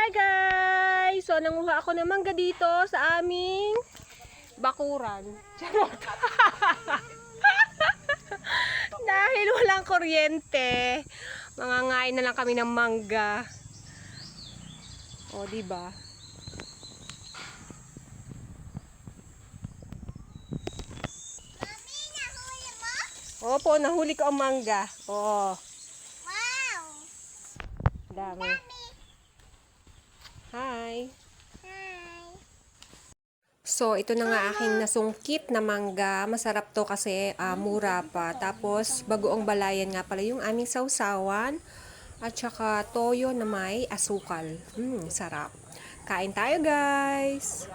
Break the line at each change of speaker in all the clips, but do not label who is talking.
Hi guys! So, nanguha ako ng mangga dito sa aming bakuran. Charot! Dahil walang kuryente, mangangain na lang kami ng mangga. O, diba?
Mami, nahuli mo?
Opo, nahuli ko ang mangga. Oo,
Wow!
dami. Hi!
Hi!
So, ito na nga aking nasungkit na mangga. Masarap to kasi mura pa. Tapos, bagoong balayan nga pala yung aming sausawan. At saka toyo na may asukal. Sarap. Kain tayo, guys!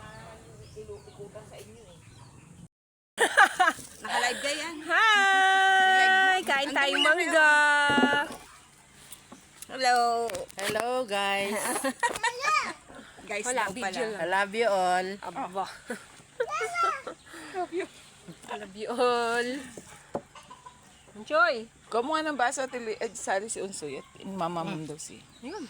Naka-live ka yan.
Hi! Kain tayong mangga! Hello!
Hello guys. Guys,
Wala,
daw pala.
video lang.
I love you all.
Aba. I love you all. Enjoy!
Kumuha ng baso at sali si Unsoy at mamamam daw siya.
Yun.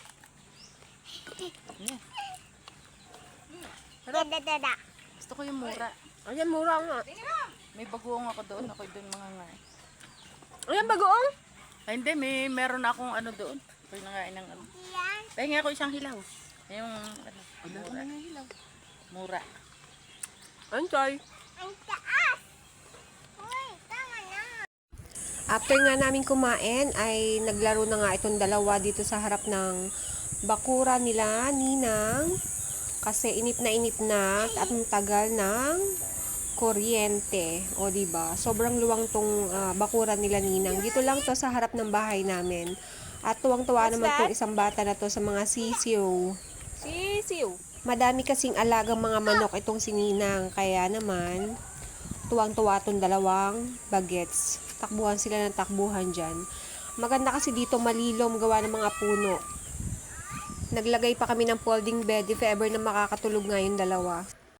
Dada.
Gusto ko yung mura.
Ayan, mura nga.
May bagoong ako doon. Ako doon mga nga.
Ayan, bagoong.
Ay hindi, meron akong ano doon. Ako nangain ng ano.
Yan.
Pahinga ako isang hilaw. Yung ano, mura. Mura.
Enjoy!
Ang taas! Uy, tama na.
After nga namin kumain, ay naglaro na nga itong dalawa dito sa harap ng bakura nila, Ninang. Kasi inip na at ang tagal ng kuryente. O, diba? Sobrang luwang tong bakura nila, Ninang. Dito lang to sa harap ng bahay namin. At tuwang-tuwa naman tong isang bata na to sa mga sisiw. Sisiw? Madami kasing alagang mga manok itong si Ninang. Kaya naman, tuwang-tuwa tong dalawang bagets. Takbuhan sila ng takbuhan dyan. Maganda kasi dito malilom gawa ng mga puno. Naglagay pa kami ng folding bed if ever na makakatulog nga yung dalawa.